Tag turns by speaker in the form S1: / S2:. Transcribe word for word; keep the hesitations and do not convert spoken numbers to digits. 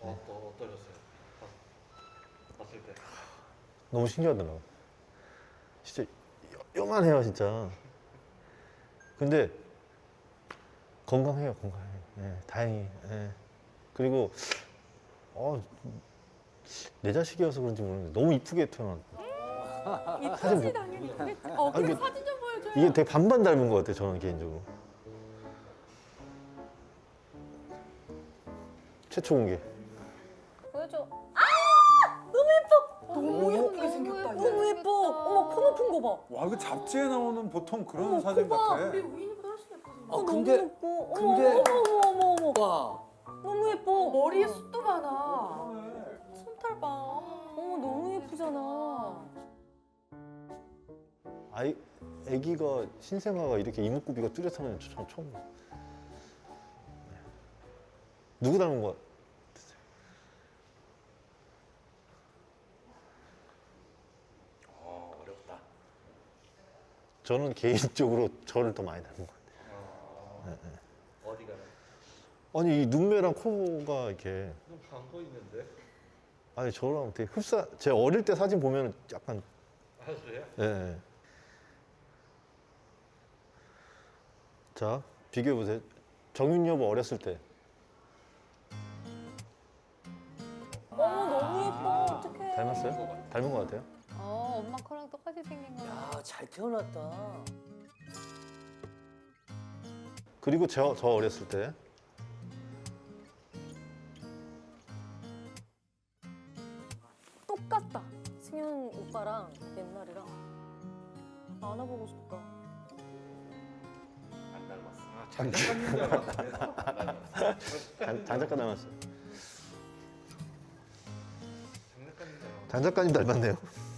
S1: 어, 또 어떠셨어요? 봤- 봤을 때.
S2: 너무 신기하더라고. 진짜 요- 요만해요 진짜. 근데 건강해요 건강해. 예, 다행히. 예. 그리고 어, 내 자식이어서 그런지 모르겠는데 너무 이쁘게 태어났고
S3: 이쁘지 당연히 이쁘겠지. 어,
S2: 아니,
S3: 그럼
S2: 이게-
S3: 사진 좀 보여줘요.
S2: 이게 되게 반반 닮은 것 같아요 저는 개인적으로. 최초 공개.
S4: 보여줘.
S3: 너무 예쁘게 생겼다.
S4: 너무 예뻐. 어머 코 높은 거 봐.
S5: 와 이거 잡지에 나오는 보통 그런
S4: 어머,
S5: 사진
S4: 코 봐.
S5: 같아.
S3: 우리 우인이보다 훨씬 예뻐.
S4: 어,
S6: 아,
S4: 너무
S6: 근데-
S4: 예뻐. 어머,
S6: 근데-
S4: 어머 어머 어머 어머.
S6: 와.
S4: 너무 예뻐.
S3: 머리에 숱도 많아. 손털 봐.
S4: 어머 너무 예쁘잖아.
S2: 아이 아기가 신생아가 이렇게 이목구비가 뚜렷한 저 처음 봐요. 네. 누구 닮은 것 같아요?
S1: 어, 어렵다.
S2: 저는 개인적으로 저를 더 많이 닮은 것 같아요.
S1: 어, 어디가?
S2: 아니 이 눈매랑 코가 이렇게
S1: 너무 안 보이는데?
S2: 아니 저랑 되게 흡사. 제 어릴 때 사진 보면 약간
S1: 아, 그래요?
S2: 예. 예. 자 비교해 보세요. 정윤 여보 어렸을 때.
S4: 어머 너무 예뻐. 어떡해.
S2: 닮았어요? 닮은 것 같아요?
S3: 어, 엄마 코랑 똑같이 생긴 거.
S6: 야, 잘 태어났다.
S2: 그리고 저, 저 어렸을 때.
S4: 똑같다. 승현 오빠랑 옛날이랑 안아보고 싶다.
S1: 안 닮았어. 아, 장작가님 닮았네. 안 닮았어.
S2: 장, 장 작가 닮았어요.
S1: 장작가님 닮았어.
S2: 장 작가님 닮았네요.